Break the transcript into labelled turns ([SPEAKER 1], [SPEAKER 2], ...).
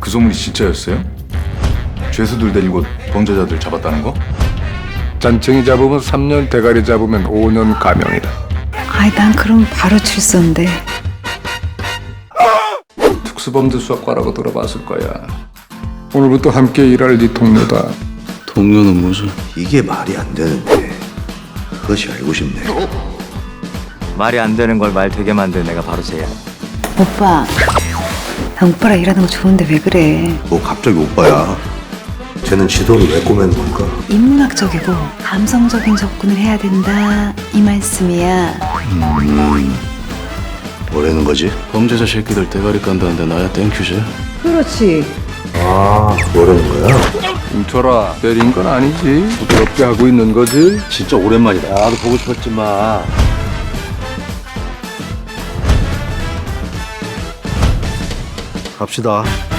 [SPEAKER 1] 그 소문이 진짜였어요? 죄수들 데리고 범죄자들 잡았다는 거?
[SPEAKER 2] 잔챙이 잡으면 3년, 대가리 잡으면 5년 감형이다.
[SPEAKER 3] 아이, 난 그럼 바로 출소인데.
[SPEAKER 2] 특수범죄 수사과라고 들어봤을 거야. 오늘부터 함께 일할 네 동료다.
[SPEAKER 4] 동료는 무슨?
[SPEAKER 5] 이게 말이 안 되는데 그것이 알고 싶네.
[SPEAKER 6] 말이 안 되는 걸 말 되게 만드는 내가 바로 쟤야.
[SPEAKER 3] 오빠, 나 오빠랑 일하는 거 좋은데 왜 그래?
[SPEAKER 5] 뭐 갑자기 오빠야. 쟤는 지도를 왜 꼬매는 걸까?
[SPEAKER 3] 인문학적이고 감성적인 접근을 해야 된다 이 말씀이야.
[SPEAKER 5] 뭐라는 거지?
[SPEAKER 4] 범죄자 새끼들 대가리 깐다는데 나야 땡큐지.
[SPEAKER 3] 그렇지.
[SPEAKER 5] 아, 뭐라는 거야?
[SPEAKER 2] 뭉쳐라. 때린 건 아니지. 부드럽게 하고 있는 거지.
[SPEAKER 5] 진짜 오랜만이다. 나도 보고 싶었지만. 갑시다.